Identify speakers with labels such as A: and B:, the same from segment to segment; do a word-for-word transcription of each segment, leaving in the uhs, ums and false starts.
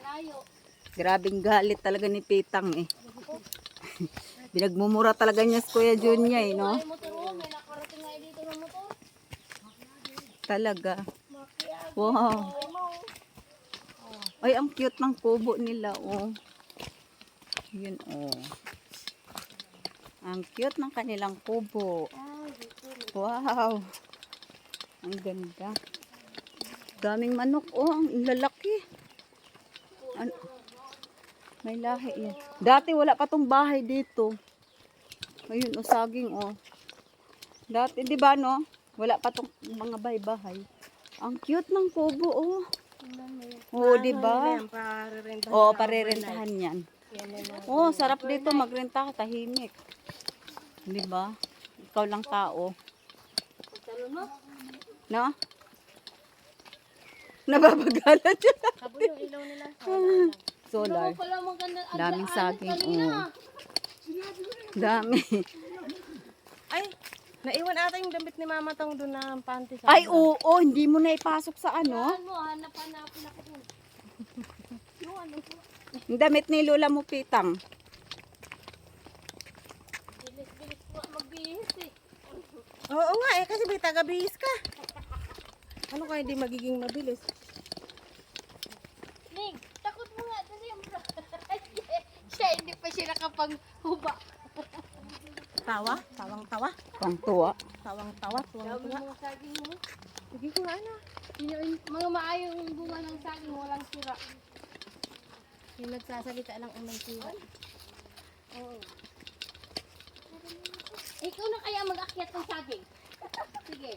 A: Grabing galit talaga ni Pitang eh. Binagmumura talaga niya si Kuya Junya eh, no? Talaga. Wow. Ay, ang cute ng kubo nila, oh. Yun, oh. Ang cute ng kanilang kubo. Wow. Ang ganda. Daming manok, oh. Ang lalaki. Ano? May lahi yan. Dati wala pa tong bahay dito. Ayun, oh, saging, oh. Dati, di ba, no? Wala pa tong mga bahay-bahay. Ang cute ng kubo, oh. Oo, di ba? Oo, parerentahan yan. Oo, sarap dito magrenta ka, tahimik. Di ba? Ikaw lang tao. No? Nababagalan siya.
B: Sabon yung ilaw nila.
A: Solar. Daming saging. Oo. Dami.
B: Ay, naiwan ata yung damit ni Mama Tong doon na panty sa.
A: Ay, oo, oo, hindi mo na ipasok sa ano.
B: Ano, hanap-hanapin ako doon. Yung ano po.
A: Yung damit ni Lola mo, Pitang.
B: Bilis-bilis po magbihis eh.
C: Oo nga eh, kasi may taga-bihis ka. Ano kaya hindi magiging mabilis?
B: Ning, takot mo nga kasi yung siya hindi pa siya nakapaghuba.
C: Tawa? Tawang-tawa?
A: Pang tuwa.
C: Tawang-tawa?
B: Sabi
C: Tuwang-tuwa?
B: mo saging mo.
C: Sige ko nga na.
B: Yun yung mga maayong bunga ng saging, walang sira. Yung nagsasalita lang ang may sira. Oo. Ikaw na kaya mag-akyat ng saging? Sige.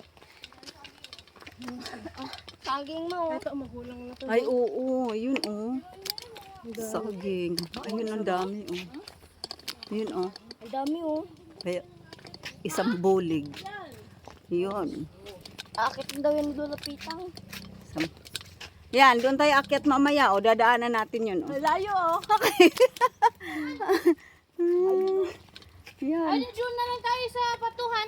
B: Ah, saging mo.
C: Ito, magulang na to.
A: Ay, oo, yun, oh. Saging. Ayun, ang dami, oh. Yun, oh.
B: Ang dami oh.
A: Kaya, isang bulig. Yun.
B: Akit daw yan doon Pitang.
A: Isang- Yan, doon tayo akyat mamaya, oh. Dadaanan natin yun, oh.
B: Malayo oh.
A: Yan.
B: Ay, doon na lang tayo sa patuhan.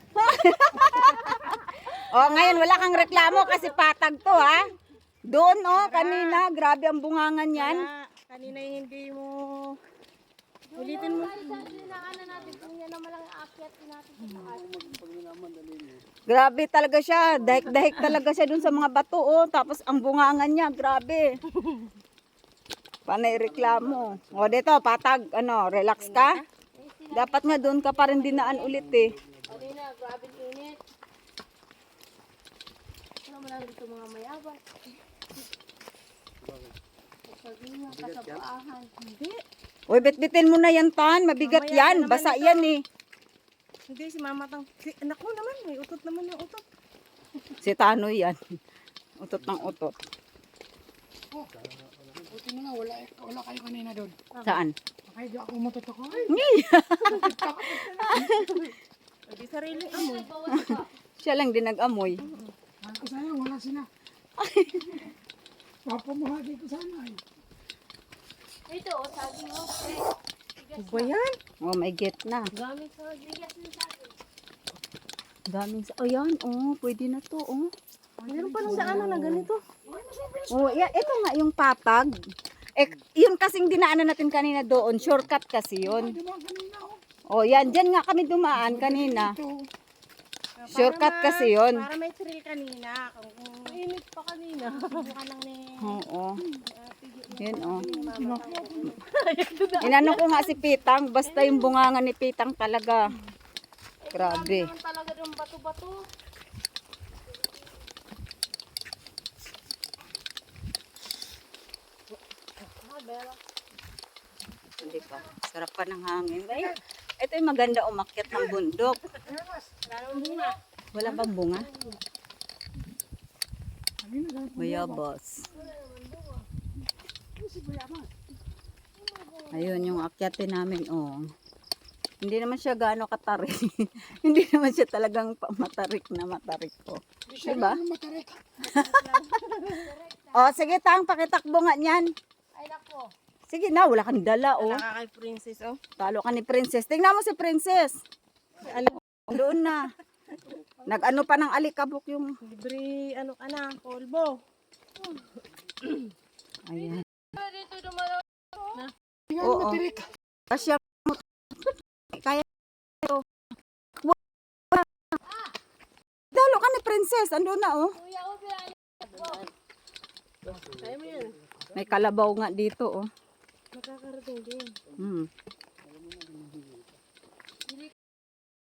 A: Oh, ngayon wala kang reklamo kasi patag to, ha? Doon, oh, kanina, grabe ang bungangan yan.
C: Kaya, kanina yung hindi mo... Ulitin mo.
B: Sa dinaanan natin kung yan naman lang aakyat natin sa taas.
A: Grabe talaga siya. Dahik-dahik talaga siya doon sa mga bato, oh. Tapos ang bungangan niya, grabe. Panay reklamo. O, dito, patag, ano, relax ka. Dapat nga doon ka pa rin dinaan ulit, eh.
B: Kanina, grabe init. Ano mo lang dito mga mayaban. Sabi nga, kasabaahan.
C: Hindi.
A: Uy, bitbitin mo na yan, Tan. Mabigat
C: Mamaya
A: yan.
C: na naman
A: Basa
C: ito.
A: yan, eh.
C: Hindi, si Mama Tong... Si, anak mo naman, may utot naman yung utot.
A: Si Tano yan. Utot ng utot.
D: Buti na nga, wala, wala kayo kanina doon.
A: Saan?
D: Kaya di ako umutot ako. Ay,
C: Hindi sariling amoy.
A: Siya lang din nag-amoy.
D: mahal ko sayang, wala sila. Papamahagi ko sana eh.
B: Ito, oh, sabi mo. Eh,
C: Ano ba yan?
A: Oh, may get na.
B: gamit sa bigas ng saging.
A: Daming sa... Oh, yan. Oh, pwede na to, oh.
C: Meron pa lang sa ano na ganito.
A: Oh, yeah, ito nga yung patag. Eh, yun kasing dinaanan natin kanina doon. Shortcut kasi yun.
D: Di ba kanina oh?
A: Oh, yan. Diyan nga kami dumaan kanina.
D: Ito,
A: Shortcut kasi yun.
C: Para may thrill kanina. Kung, kung
B: Init pa kanina.
C: ka lang ni...
A: Oo. Yan, oh. Inano ko nga si Pitang. Basta yung bunganga ni Pitang talaga. Grabe.
B: Naman talaga yung bato-bato.
A: Hindi pa. Sarap pa ng hangin. Ay, ito yung maganda umakyat ng bundok. Wala bang bunga? Bayabas. Ayun yung akyatin namin, oh. Hindi naman siya gaano katarik. Hindi naman siya talagang pa- matarik na matarik ko.
D: di siya
A: Diba?
D: naman matarik.
A: Oh, sige tang, pakitakbo nga niyan.
B: Ay, nako.
A: Sige na, wala kang dala, oh.
C: Nakakay princess, oh.
A: Talo ka ni Princess. Tingnan mo si Princess.
C: Ano,
A: Doon na. Nag-ano pa ng alikabok yung...
C: libre, ano ka na, polvo.
A: Ayan.
D: yan,
A: Oo.
D: matirik.
A: Kasya mo. Kaya ito. Dalo ka ni Princess. Ando na oh.
B: Kuya, oh, pinali.
C: Kaya mo yan.
A: May kalabaw nga dito oh.
C: Makakarating din.
A: Hmm.